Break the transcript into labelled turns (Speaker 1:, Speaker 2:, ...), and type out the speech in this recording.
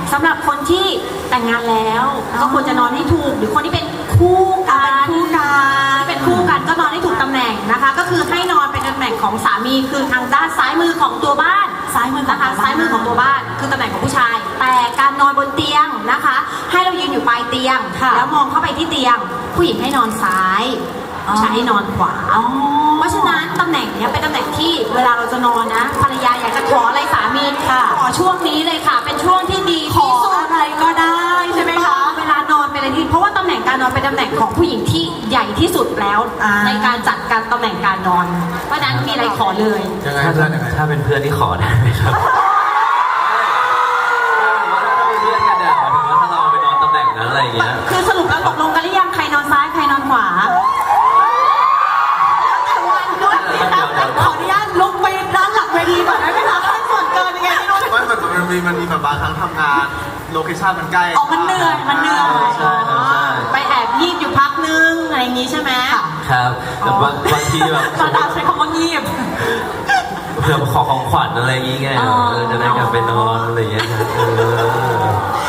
Speaker 1: สำหรับคนที่แต่งงานแล้วก็ควรจะนอนให้ถูกหรือคนที่เป็นคู่กันเป็นคู่กันก็นอนให้ถูกตำแหน่งนะคะ ก็คือให้นอนเป็นตำแหน่งของสามีคือทางด้านซ้ายมือของตัวบ้านซ้ายมือนะคะซ้ายมือของตัวบ้านคือตำแหน่งของผู้ชายแต่การนอนบนเตียงนะคะ ให้เรายืนอยู่ปลายเตียงแล้วมองเข้าไปที่เตียงผู้หญิงให้นอนซ้ายผู้ชายให้นอนขวาเพราะฉะนั้นตำแหน่งนี้เป็นตำแหน่งที่เวลาเราจะนอนนะภรรยาอยากจะขออะไรสามีขอช่วงนี้เลยค่ะเป็นช่วงที่ดีที่สุดอะไรก็ได้ใช่ไหมคะเวลานอนเป็นอะไรที่เพราะว่าตำแหน่งการนอนเป็นตำแหน่งของผู้หญิงที่ใหญ่ที่สุดแล้วในการจัดการตำแหน่งการนอนเพราะฉะนั้นมีอะไรขอเลย
Speaker 2: ถ้าเป็นเพื่อนที่ขอได้ไหมครับอะไรอย่างเงี้ย
Speaker 1: คือสรุปแล้วตกลงกันหรือยังใครนอนซ้ายใครนอนขวาขออนุญาตลุกไปด้านหลังเวทีก่อนได้ไหมคะให้ส่วนเกินยังไงไม่รู้
Speaker 3: มันมีแบบบางครั้งทำงานโลเคชั่นมันใกล้
Speaker 1: มันเหนื่อย
Speaker 2: ใช่
Speaker 1: ไปแอบยีบอยู่พักนึงอะไรอย่างงี้ใช่ไหม
Speaker 2: ครับแต่บางทีแบบ
Speaker 1: ตอนใช้คำว่ายีบ
Speaker 2: เพื่อขอของขวัญอะไรอย่างเงี้ยจะได้กลับไปนอนอะไรอย่างเงี้ย